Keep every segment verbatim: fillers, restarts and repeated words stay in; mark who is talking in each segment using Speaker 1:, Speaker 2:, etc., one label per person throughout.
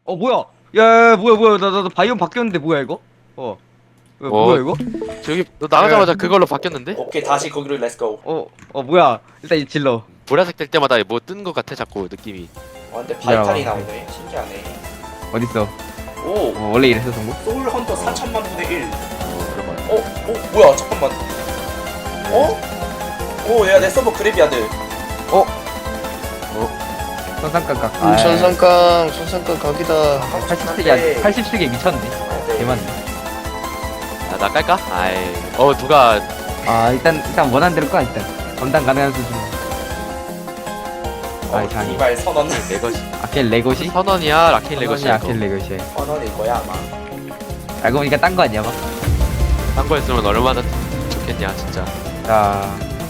Speaker 1: 어 뭐야? 야, 야 뭐야 뭐야 나 나 나 바이옴 바뀌었는데 뭐야 이거? 어. 어,
Speaker 2: 어.
Speaker 1: 뭐야 이거?
Speaker 2: 저기 너 나가자마자 그걸로 바뀌었는데?
Speaker 3: 오케이 다시 거기로 렛츠고.
Speaker 1: 어, 어 뭐야? 일단 이 질러.
Speaker 2: 보라색 될 때마다 뭐 뜬 거 같아 자꾸 느낌이.
Speaker 3: 와 근데 바이탈이
Speaker 1: 야.
Speaker 3: 나오네. 신기하네.
Speaker 1: 어딨어?
Speaker 3: 오
Speaker 1: 어, 원래 이랬어 동구?
Speaker 3: 소울 헌터 사천만 분의 일.
Speaker 2: 어 그런 거야.
Speaker 3: 어? 어? 뭐야 잠깐만. 어? 오 야 내 서버 그래비아드.
Speaker 1: 선상각각.
Speaker 4: 음, 천상강 천상강 각이다.
Speaker 1: 팔십 세기 팔십 세기 미쳤네. 개만.
Speaker 2: 야나 깔까? 아이. 어 누가
Speaker 1: 아 일단 일단 원하는 대로 까 일단. 감당 가능한 수준.
Speaker 3: 어,
Speaker 1: 아이 장.
Speaker 3: 이발 선언.
Speaker 2: 내 것이.
Speaker 1: 아켈 레고시?
Speaker 2: 선원이야 라킨 레거시.
Speaker 1: 아켈 레고시.
Speaker 3: 선언일 거야 아마.
Speaker 1: 알고 보니까 딴 거 아니야 막.
Speaker 2: 딴 거였으면 얼마나 좋겠냐 진짜.
Speaker 1: 자.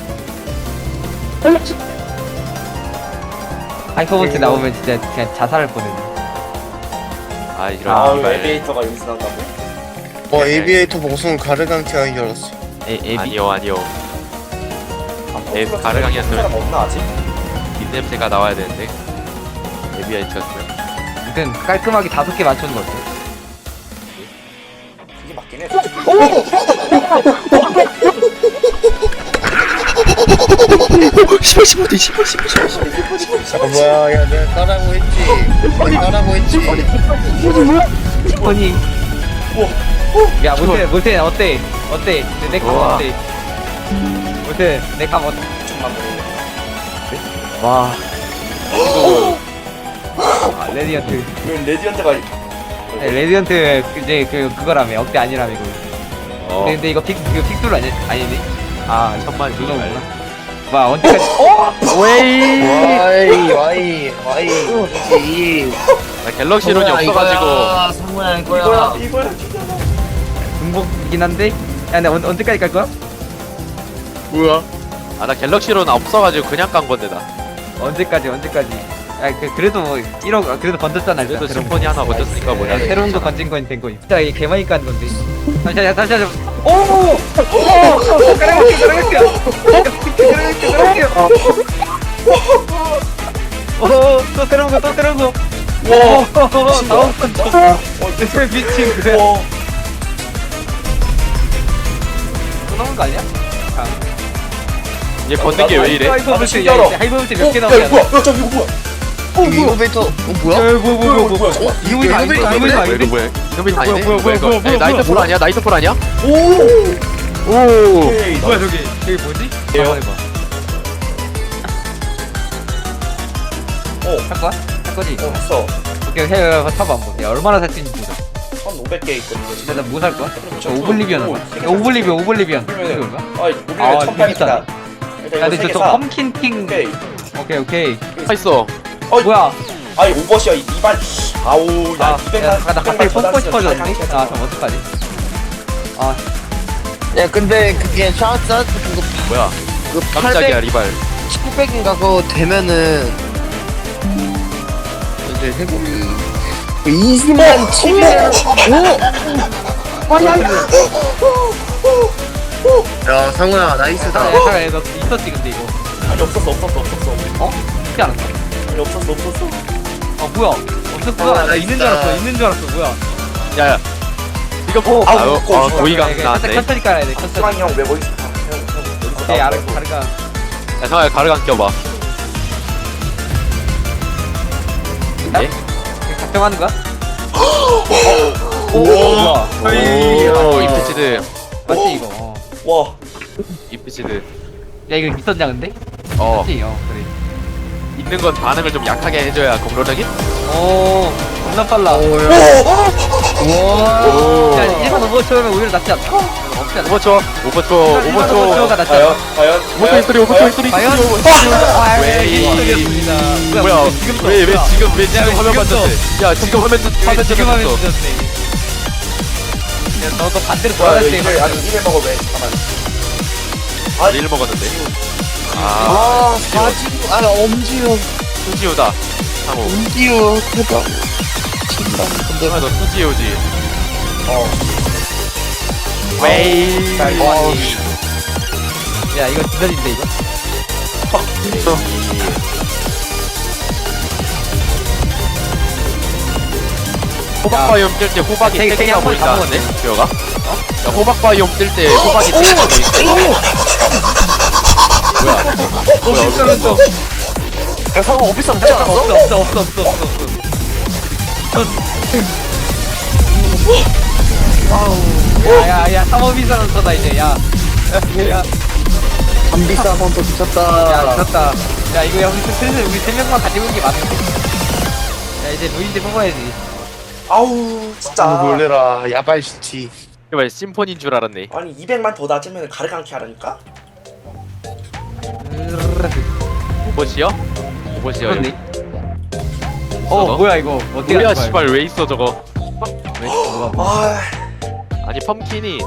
Speaker 1: 하이퍼본트 나오면 진짜 그냥 자살할 뻔했네.
Speaker 2: 아 이런
Speaker 3: 아우
Speaker 2: 이발.
Speaker 3: 엘리베이터가 여기서 나온다고?
Speaker 4: 어 에비에이터 봉숭 가르강티 하기 알았어.
Speaker 1: 에 에비.
Speaker 2: 아니요 아니요.
Speaker 3: 아,
Speaker 2: 에,
Speaker 3: 포스가
Speaker 2: 가르강이었으면-
Speaker 3: 사람 없나 아직?
Speaker 2: 입냄새가 나와야 되는데. 에비아이트였으면.
Speaker 1: 아무튼 깔끔하게 다섯 개 맞추는 거 어때?
Speaker 3: 그게 맞긴 해.
Speaker 2: 씨발 씨발 씨발 씨발 씨발.
Speaker 4: 아 뭐야 야 내가 까라고 했지. 내가 까라고 했지.
Speaker 1: 아니. 야 못해 못해 어때? 어때? 내감
Speaker 2: 우와.
Speaker 1: 어때? 못해 내감 어때?
Speaker 3: 천만 분의 일.
Speaker 1: 와. 아, 레디언트.
Speaker 3: 왜 레디언트가
Speaker 1: 네, 레디언트 이제 그 그거라며 억대 아니라며 이거.
Speaker 2: 어.
Speaker 1: 근데, 근데 이거 픽 이거 픽돌 아니 아니니? 아
Speaker 2: 천만
Speaker 1: 누나구나. 와 언제까지? 어? 웨이.
Speaker 4: 와이 와이 와이 그렇지.
Speaker 2: 나 갤럭시론이 없어가지고.
Speaker 4: 상호야
Speaker 3: 이거야 이거야.
Speaker 1: 중복이긴 한데. 야 근데 언, 언제까지 갈 거야?
Speaker 4: 뭐야?
Speaker 2: 아 나 갤럭시론 없어가지고 그냥 깐 건데 나.
Speaker 1: 언제까지 언제까지? 야 그, 그래도 뭐 일억 아, 그래도 건졌잖아 일단
Speaker 2: 그래도
Speaker 1: 새로운
Speaker 2: 심포니 하나 건졌으니까
Speaker 1: 거.
Speaker 2: 뭐냐.
Speaker 1: 야, 새로운 거 건진 거니 된 거니. 진짜 이게 개많이 깐 건데. 다시 하자 다시 하자. 오! 오! 가라갈게 가라갈게. 가라갈게 가라갈게. 오또 새로운 거또 새로운 거. 와 다음 건 또. 어 미친 그래.
Speaker 3: 와.
Speaker 1: 또 나온 거 아니야?
Speaker 2: 얘 걷는 게 왜 이래?
Speaker 1: 하이버블트
Speaker 3: 진짜로.
Speaker 1: 야 하이버블트 몇 개
Speaker 3: 어,
Speaker 1: 나오냐?
Speaker 3: 야 뭐야? 야 저기 이거 뭐야?
Speaker 4: 이거 이노베이터 어 뭐야?
Speaker 1: 야, 뭐야, 뭐야, 뭐야, 뭐야.
Speaker 3: 잠깐만.
Speaker 1: 이거 이거 아닌데? 이거 이거
Speaker 2: 뭐야
Speaker 1: 아닌데?
Speaker 2: 이거 뭐야? 이놈이 아니네?
Speaker 1: 뭐야, 뭐야,
Speaker 2: 이거?
Speaker 1: 뭐야,
Speaker 2: 에,
Speaker 1: 뭐야,
Speaker 2: 나이트폴
Speaker 1: 뭐야.
Speaker 2: 아니야? 나이트폴 아니야?
Speaker 3: 오.
Speaker 2: 오.
Speaker 3: 오케이.
Speaker 1: 뭐야 저기? 저기 뭐지?
Speaker 3: 예요.
Speaker 1: 한번 해봐.
Speaker 3: 어.
Speaker 1: 할 거야? 할 거지?
Speaker 3: 어 했어.
Speaker 1: 오케이, 해, 해, 타봐 한번. 야, 얼마나 살 수 있는지 보자.
Speaker 3: 천오백 개 있거든.
Speaker 1: 근데 나뭐 살 거야?
Speaker 3: 저-
Speaker 1: 야, 오블리비언
Speaker 3: 오,
Speaker 1: 하자.
Speaker 3: 세 개
Speaker 1: 야, 오블리비언, 오블리비언.
Speaker 3: 그러면은-
Speaker 1: 이거 얼마?
Speaker 3: 아 오블리비언
Speaker 1: 아,
Speaker 3: 천팔백이다.
Speaker 1: 야,
Speaker 3: 일단
Speaker 1: 근데
Speaker 3: 이거
Speaker 1: 저,
Speaker 3: 세개
Speaker 1: 저
Speaker 3: 사.
Speaker 1: 펌킨 킹.
Speaker 3: 오케이.
Speaker 1: 오케이, 오케이.
Speaker 2: 다 있어.
Speaker 3: 어이.
Speaker 1: 뭐야?
Speaker 3: 아이 오버시야 이 이발. 아우
Speaker 1: 아,
Speaker 3: 야
Speaker 1: 야,
Speaker 3: 이백만.
Speaker 1: 나 갑자기 뽕뽕 싶어졌는데? 아, 그럼 어떡하지? 아,
Speaker 4: 야 근데 그게 샤워샷 그거
Speaker 2: 뭐야?
Speaker 4: 그
Speaker 2: 깜짝이야 리발.
Speaker 4: 팔백인가 그거 되면은 이제 해보기 이십만 칠백. 오. 야 상호야 나이스다.
Speaker 1: 야, 잠깐, 야, 너 있었지, 근데 이거.
Speaker 3: 아니 없었어 없었어 없었어.
Speaker 1: 어? 쉽지 않았어.
Speaker 3: 아니 없었어 없었어.
Speaker 1: 아, 뭐야? 없었구나.
Speaker 4: 아,
Speaker 1: 나 있는 줄
Speaker 4: 있다.
Speaker 1: 알았어, 있는 줄 알았어, 뭐야?
Speaker 2: 야야. 이거 뭐?
Speaker 3: 아우,
Speaker 2: 아우
Speaker 3: 먹고
Speaker 2: 어,
Speaker 3: 있어.
Speaker 2: 고의가
Speaker 1: 천천히,
Speaker 2: 나왔네.
Speaker 1: 천천히 깔아야 돼, 천천히.
Speaker 3: 수랑이 형왜 거기 있어? 형
Speaker 1: 오케이, 알아, 다르가.
Speaker 2: 야 상아야 가르강 껴봐. 네?
Speaker 1: 작정하는 거야? 오, 뭐야?
Speaker 2: 오 이피치드.
Speaker 1: 맞지, 이거. 어.
Speaker 3: 와.
Speaker 2: 이피치드.
Speaker 1: 야, 이거 있었냐, 근데?
Speaker 2: 어
Speaker 1: 맞지, 어, 그래.
Speaker 2: 있는 건 반응을 좀 약하게 해줘야 공로력이.
Speaker 1: 오, 겁나 빨라.
Speaker 4: 와.
Speaker 2: 오.
Speaker 1: 야, 일반 오버초면 오히려 낫지 않나? 없지 않나?
Speaker 2: 오버초 오버초
Speaker 1: 일반
Speaker 2: 오버초.
Speaker 1: 오버초가 낫지
Speaker 3: 과연
Speaker 1: 않나?
Speaker 3: 과연.
Speaker 2: 오버초 히스토리 오버초 히스토리.
Speaker 1: 과연?
Speaker 2: 웨이.
Speaker 1: histori였습니다.
Speaker 2: 뭐야?
Speaker 1: 지금도
Speaker 2: 왜 왜
Speaker 1: 없구나.
Speaker 2: 지금 왜
Speaker 1: 야,
Speaker 2: 지금
Speaker 1: 왜
Speaker 2: 화면
Speaker 1: 지금도?
Speaker 2: 봤는데? 야 지금 화면 화면
Speaker 1: 왜 지금 하면
Speaker 2: 찍었어.
Speaker 1: 늦었네. 야, 너도 반대로
Speaker 3: 와
Speaker 1: 돌아갈 때.
Speaker 3: 이걸 아니 이를 먹어 왜? 잠깐만. 아
Speaker 2: 일 먹었는데. 아
Speaker 4: 아 사지우 아 엄지우
Speaker 2: 수지우다. 상호.
Speaker 4: 엄지우 대박. 진짜 근데
Speaker 2: 아, 너 수지우지.
Speaker 3: 어.
Speaker 2: 웨이.
Speaker 3: 잘
Speaker 4: 와.
Speaker 1: 야, 이거 지전인데, 이거?
Speaker 2: 호박 바이옴 뜰 때 호박이
Speaker 1: 되게-
Speaker 2: 세
Speaker 1: 되게
Speaker 2: 개가
Speaker 1: 한번 다
Speaker 2: 보인다는데? 주혁아? 어? 야, 호박 바이옴 뜰 때 호박이 세 개가 보인다.
Speaker 1: 오 실수는 좀
Speaker 3: 야 상어 오피스 못
Speaker 1: 없어
Speaker 3: 잡았어?
Speaker 1: 없어 없어 없어 없어 없어 아우 야야야 삼업이사는 터다 이제 야야
Speaker 4: 담비싸 한번더 미쳤다.
Speaker 1: 야, 졌다. 야, 이거 야, 우리 슬슬 우리 세 명만 가지고 있는 게 맞는데. 야, 이제 루인드 뽑아야지.
Speaker 3: 아우 진짜.
Speaker 4: 아, 놀래라. 야발 시티.
Speaker 2: 이거 심포니인 줄 알았네.
Speaker 3: 아니 이백만 더 낮으면 가르강키 하라니까?
Speaker 2: 오버시요? 오버시요.
Speaker 1: 그렇네. 어, 뭐야 이거? 어떻게
Speaker 2: 뭐야
Speaker 1: 하는 거야,
Speaker 2: 씨발 왜 있어 저거?
Speaker 1: 이거? 왜 뭐가 뭐?
Speaker 3: 아
Speaker 2: 아니 펌킨이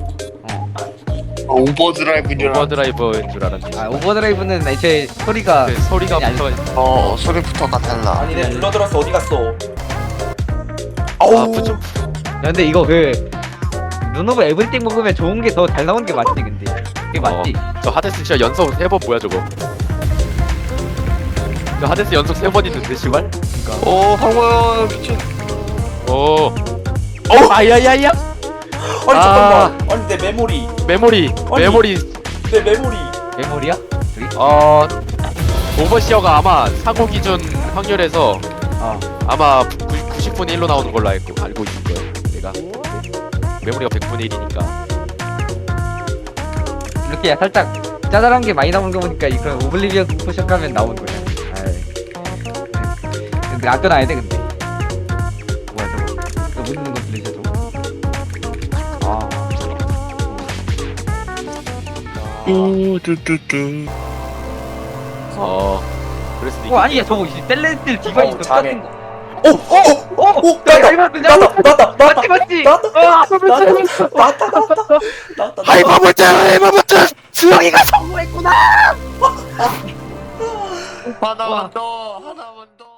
Speaker 4: 오버드라이브인 줄 알았
Speaker 2: 오버드라이버인 줄 알았네.
Speaker 1: 아, 오버드라이브는 애초에 소리가
Speaker 2: 그 소리가
Speaker 1: 아니,
Speaker 2: 붙어.
Speaker 4: 어, 소리부터가 달라.
Speaker 3: 아니 내 불러들었어 어디 갔어?
Speaker 2: 아
Speaker 3: 아우
Speaker 2: 부츠
Speaker 1: 야, 근데 이거 그 눈오브 에브리띵 먹으면 좋은 게 더 잘 나오는 게 맞지, 근데. 그게 맞지?
Speaker 2: 어, 저 하데스 진짜 연속 세 번 뭐야 저거? 저 하데스 연속 세 번 있는데 씨발?
Speaker 4: 오, 황원 미친.
Speaker 2: 오. 어 아야야야.
Speaker 3: 아니
Speaker 2: 아.
Speaker 3: 잠깐만 아니 내 메모리
Speaker 2: 메모리
Speaker 3: 아니.
Speaker 2: 메모리.
Speaker 3: 내 메모리
Speaker 1: 메모리야? 저기?
Speaker 2: 어 오버시어가 아마 사고 기준 확률에서
Speaker 1: 어.
Speaker 2: 아마 구십 분의 일로 나오는 걸로 알고 알고 있을 거예요. 내가 메모리가 백 분의 일이니까.
Speaker 1: 이렇게 야, 살짝 짜잘한 게 많이 나오는 거 보니까 이 그런 오블리비언 포션 가면 나오는 거야. 아이. 근데 아껴놔야 돼, 근데. 뭐야, 저거. 저 묻는 거 들리죠, 저거? 아.
Speaker 4: 뚜뚜뚜뚜.
Speaker 2: 어 그럴 수도 있겠
Speaker 1: 어, 아니, 야, 저거, 이 셀레스틸 디바이스
Speaker 3: 어우,
Speaker 1: 똑같은
Speaker 3: 잘해.
Speaker 1: 거.
Speaker 3: 오오오
Speaker 1: 오! 야, 잘 봤어, 잘 봤어!
Speaker 3: 나왔다 나왔다
Speaker 1: 맞지, 맞지?
Speaker 3: 나왔다
Speaker 1: 아,
Speaker 3: 나왔다 나왔다 나왔다 나왔다
Speaker 2: 하이퍼버튼 하이퍼버튼
Speaker 1: 수영이가 성공했구나!
Speaker 4: 하나만 더, 하나만 더.